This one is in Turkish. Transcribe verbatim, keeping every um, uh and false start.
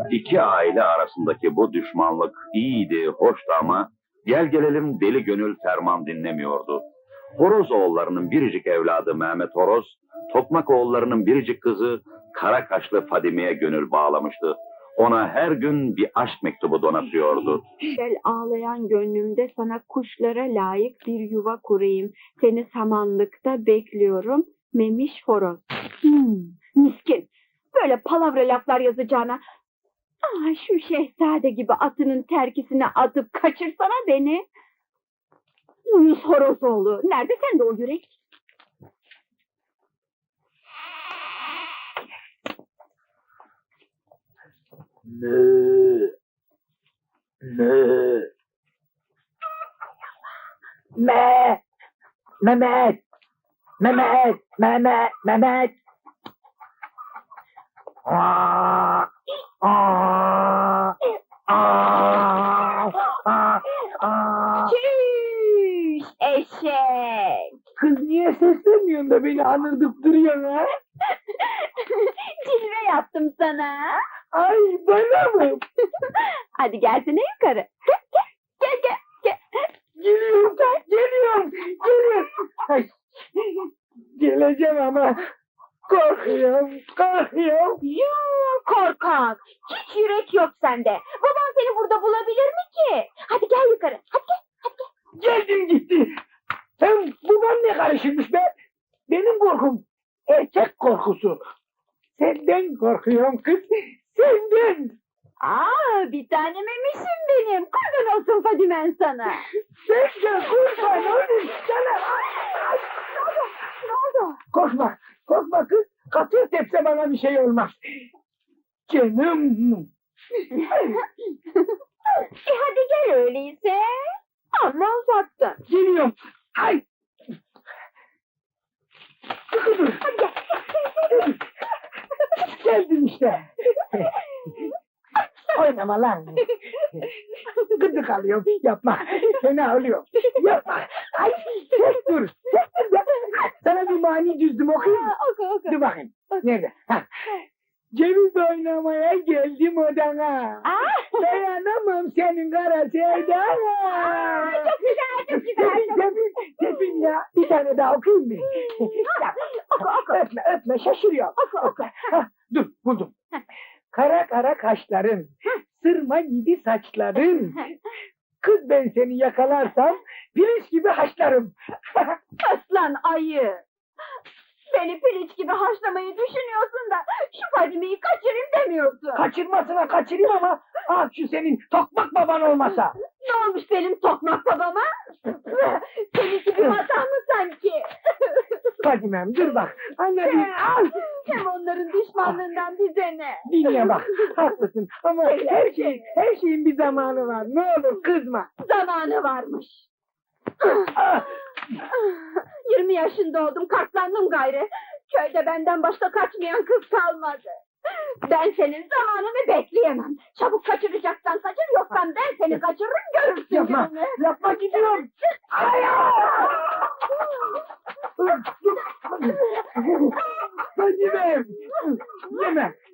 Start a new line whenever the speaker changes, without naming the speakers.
İki aile arasındaki bu düşmanlık iyiydi, hoştu ama gel gelelim deli gönül ferman dinlemiyordu. Horozoğullarının biricik evladı Mehmet Horoz, Tokmakoğullarının biricik kızı kara kaşlı Fadime'ye gönül bağlamıştı. Ona her gün bir aşk mektubu donatıyordu.
Gel ağlayan gönlümde sana kuşlara layık bir yuva kurayım. Seni samanlıkta bekliyorum. Memiş Horoz. Hmm, miskin. Böyle palavra laflar yazacağına. Ah, şu şehzade gibi atının terkisine atıp kaçırsana beni. Yunus Horozoğlu. Nerede sende o yürek?
Mö. Mö. Me. Mehmet. Mehmet. Mehmet. Mehmet. Aa. Aa. Aa. Aa. Aa.
Çüş eşek.
Kız niye seslemiyorsun da beni anırdıp duruyorsun ha?
Cilve yaptım sana.
Ay bana mı?
Hadi gelsene yukarı. Gel gel gel. gel.
Geliyorum, geliyorum, geliyorum. Ay, geleceğim ama korkuyorum, korkuyorum.
Yoo korkak. Hiç yürek yok sende. Babam seni burada bulabilir mi ki? Hadi gel yukarı. Hadi gel.
Geldim gitti. Sen baban ne karışırmış be? Benim korkum erkek korkusu. Senden korkuyorum kız, senden.
Aa, bir tane memişim benim. Kurban olsun Fadimen sana.
Sen de kurban olayım sana. Ay, ay,
Ne oldu? Ne oldu?
korkma, korkma kız. Katır tepse bana bir şey olmaz. Canım.
e hadi gel öyleyse. Amma uzattın.
Geliyorum. Ay. Dur.
Hadi gel. gel, gel,
Geldim işte. Oynama lan. Gıdık alıyorum. Yapma. Fena oluyor. Yapma. Ay. Tek dur. Tek dur. ya. Sana bir mani düzdüm okuyayım mı?
Aa, oku oku.
Dur bakayım. Nerede? Ha. Ceviz oynamaya geldim odana.
Aa.
Dayanamam senin kara sevdana.
Aa, çok güzel, çok güzel. Çok...
Tepin, tepin ya. Bir tane daha okuyayım mı?
Oku oku.
Öpme, öpme. Şaşırıyor.
Oku oku.
Hah, dur, buldum. Kara kara kaşların, sırma gibi saçların. Kız ben seni yakalarsam, pirinç gibi haşlarım.
Aslan ayı. Beni piliç gibi haşlamayı düşünüyorsun da şu Fadime'yi kaçırayım demiyorsun.
Kaçırmasına kaçırayım ama, ah şu senin tokmak baban olmasa.
Ne olmuş benim tokmak babama? Seninki bir hata mı sanki?
Fadimem dur bak, anladın. Al.
Hem onların düşmanlığından bize ne?
Dinle bak, haklısın ama her şey, her şeyin bir zamanı var. Ne olur kızma.
Zamanı varmış.
Ah,
Yirmi yaşında oldum, katlandım gayrı. Köyde benden başka kaçmayan kız kalmadı. Ben senin zamanını bekleyemem. Çabuk kaçıracaksan kaçır, yoksa ben seni kaçırırım, görürsün
yapma,
gününü.
yapma gidiyorum. Ay, ay. Fadimem, yeme,